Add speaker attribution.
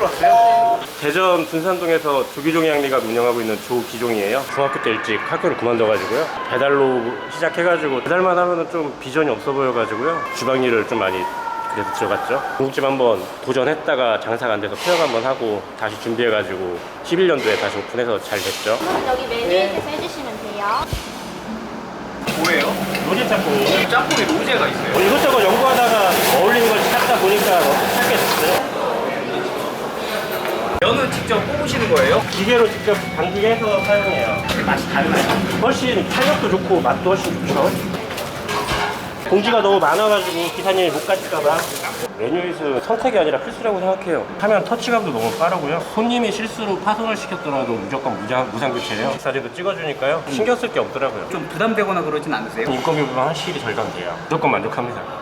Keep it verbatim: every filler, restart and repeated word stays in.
Speaker 1: 왔어요. 대전 분산동에서 조기종이 양리가 운영하고 있는 조기종이에요. 중학교 때 일찍 학교를 그만둬가지고요. 배달로 시작해가지고 배달만 하면은 좀 비전이 없어 보여가지고요. 주방 일을 좀 많이 그래서 들어갔죠. 중국집 한번 도전했다가 장사가 안 돼서 폐업 한번 하고 다시 준비해가지고 십일 년도에 다시 오픈해서 잘 됐죠.
Speaker 2: 그럼 여기 메뉴에서 해주시면 돼요.
Speaker 3: 뭐예요?
Speaker 1: 로제 짬뽕이에요.
Speaker 3: 짬뽕에 로제가 있어요.
Speaker 1: 뭐 이것저것 연구하다가 어울리는 걸 찾다 보니까 찾게 됐어요.
Speaker 3: 면은 직접 뽑으시는 거예요?
Speaker 1: 기계로 직접 당기해서 사용해요. 맛이 달라요. 훨씬 탄력도 좋고 맛도 훨씬 좋죠. 공지가 너무 많아가지고 기사님이 못 가실까봐. 메뉴잇은 선택이 아니라 필수라고 생각해요. 화면 터치감도 너무 빠르고요. 손님이 실수로 파손을 시켰더라도 무조건 무상, 무상교체예요. 사진도 찍어주니까요. 신경 쓸 게 없더라고요.
Speaker 3: 좀 부담되거나 그러진 않으세요?
Speaker 1: 인건비 부분 확실히 절감돼요. 무조건 만족합니다.